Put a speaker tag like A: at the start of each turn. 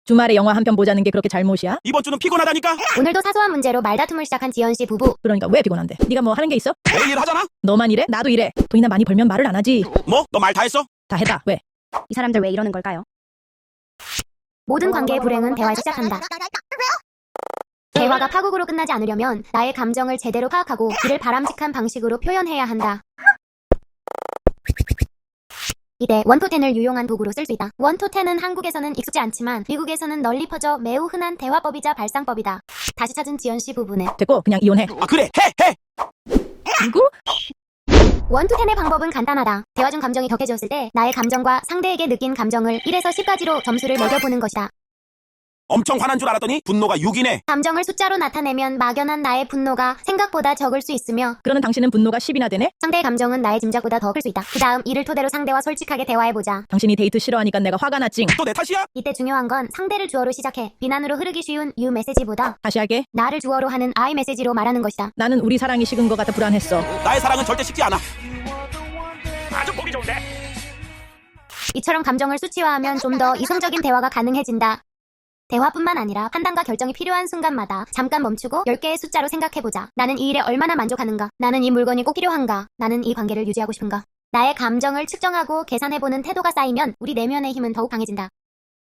A: 주말에 영화 한 편 보자는 게 그렇게 잘못이야?
B: 이번 주는 피곤하다니까?
C: 오늘도 사소한 문제로 말다툼을 시작한 지연씨 부부.
A: 그러니까 왜 피곤한데? 네가 뭐 하는 게 있어?
B: 매일 하잖아?
A: 너만 이래? 나도 이래. 돈이나 많이 벌면 말을 안 하지.
B: 뭐? 너 말 다 했어?
A: 다 해봐. 왜?
D: 이 사람들 왜 이러는 걸까요?
C: 모든 관계의 불행은 대화에서 시작한다. 대화가 파국으로 끝나지 않으려면 나의 감정을 제대로 파악하고 이를 바람직한 방식으로 표현해야 한다. 이때 원토텐을 유용한 도구로 쓸 수 있다. 원토텐은 한국에서는 익숙지 않지만 미국에서는 널리 퍼져 매우 흔한 대화법이자 발상법이다. 다시 찾은 지연씨 부부네.
A: 됐고 그냥 이혼해.
B: 아 그래 해!
A: 누구?
C: 원투텐의 방법은 간단하다. 대화 중 감정이 격해졌을 때 나의 감정과 상대에게 느낀 감정을 1에서 10까지로 점수를 매겨보는 것이다.
B: 엄청 화난 줄 알았더니 분노가 6이네.
C: 감정을 숫자로 나타내면 막연한 나의 분노가 생각보다 적을 수 있으며
A: 그러는 당신은 분노가 10이나 되네?
C: 상대의 감정은 나의 짐작보다 더 클 수 있다. 그 다음 이를 토대로 상대와 솔직하게 대화해보자.
A: 당신이 데이트 싫어하니까 내가 화가 났징.
B: 또 내 탓이야?
C: 이때 중요한 건 상대를 주어로 시작해 비난으로 흐르기 쉬운 you 메시지보다
A: 다시 할게.
C: 나를 주어로 하는 I 메시지로 말하는 것이다.
A: 나는 우리 사랑이 식은 것 같아 불안했어.
B: 나의 사랑은 절대 식지 않아. 아주 보기 좋은데?
C: 이처럼 감정을 수치화하면 좀 더 이성적인 대화가 가능해진다. 대화뿐만 아니라 판단과 결정이 필요한 순간마다 잠깐 멈추고 10개의 숫자로 생각해보자. 나는 이 일에 얼마나 만족하는가? 나는 이 물건이 꼭 필요한가? 나는 이 관계를 유지하고 싶은가? 나의 감정을 측정하고 계산해보는 태도가 쌓이면 우리 내면의 힘은 더욱 강해진다.